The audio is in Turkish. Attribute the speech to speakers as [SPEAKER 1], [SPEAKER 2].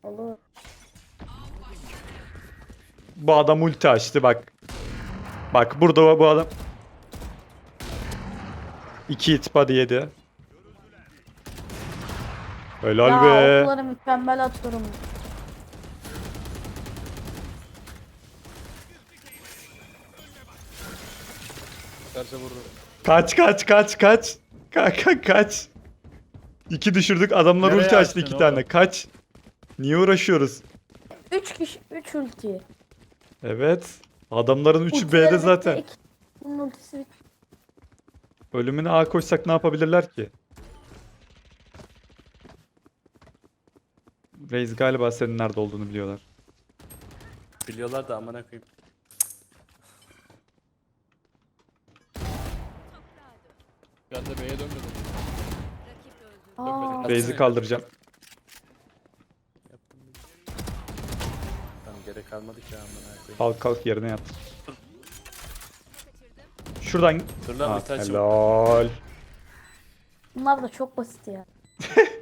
[SPEAKER 1] Olur.
[SPEAKER 2] Bu adam ulti açtı bak. Bak burada bu adam. 2 hit body yedi. Helal
[SPEAKER 1] Ya
[SPEAKER 2] be.
[SPEAKER 1] okları mükemmel atıyorum.
[SPEAKER 3] Karşı vurdu.
[SPEAKER 2] Kaç kaç kaç kaç. Kaç. 2 düşürdük adamlar
[SPEAKER 3] Nereye
[SPEAKER 2] ulti açtı
[SPEAKER 3] açtın
[SPEAKER 2] 2
[SPEAKER 3] oğlum?
[SPEAKER 2] tane. Kaç. Niye uğraşıyoruz?
[SPEAKER 1] 3 kişi 3 ulti.
[SPEAKER 2] Evet. Adamların 3'ü
[SPEAKER 1] Ultileri
[SPEAKER 2] B'de
[SPEAKER 1] bitti,
[SPEAKER 2] zaten.
[SPEAKER 1] Bunun ultisi bitti.
[SPEAKER 2] Ölümüne A koşsak ne yapabilirler ki? Reis galiba senin nerede olduğunu biliyorlar.
[SPEAKER 3] Biliyorlar da amına koyayım. Ben de B'ye dönmedim.
[SPEAKER 1] Aa,
[SPEAKER 2] Reis'i kaldıracağım.
[SPEAKER 3] Yaptım. Tamam gerek kalmadı ki amına koyayım.
[SPEAKER 2] Kalk yerine yat. Şuradan.
[SPEAKER 3] Dur lan
[SPEAKER 2] Ha,
[SPEAKER 3] bir taç yok.
[SPEAKER 2] helal.
[SPEAKER 1] bunlar da çok basit ya.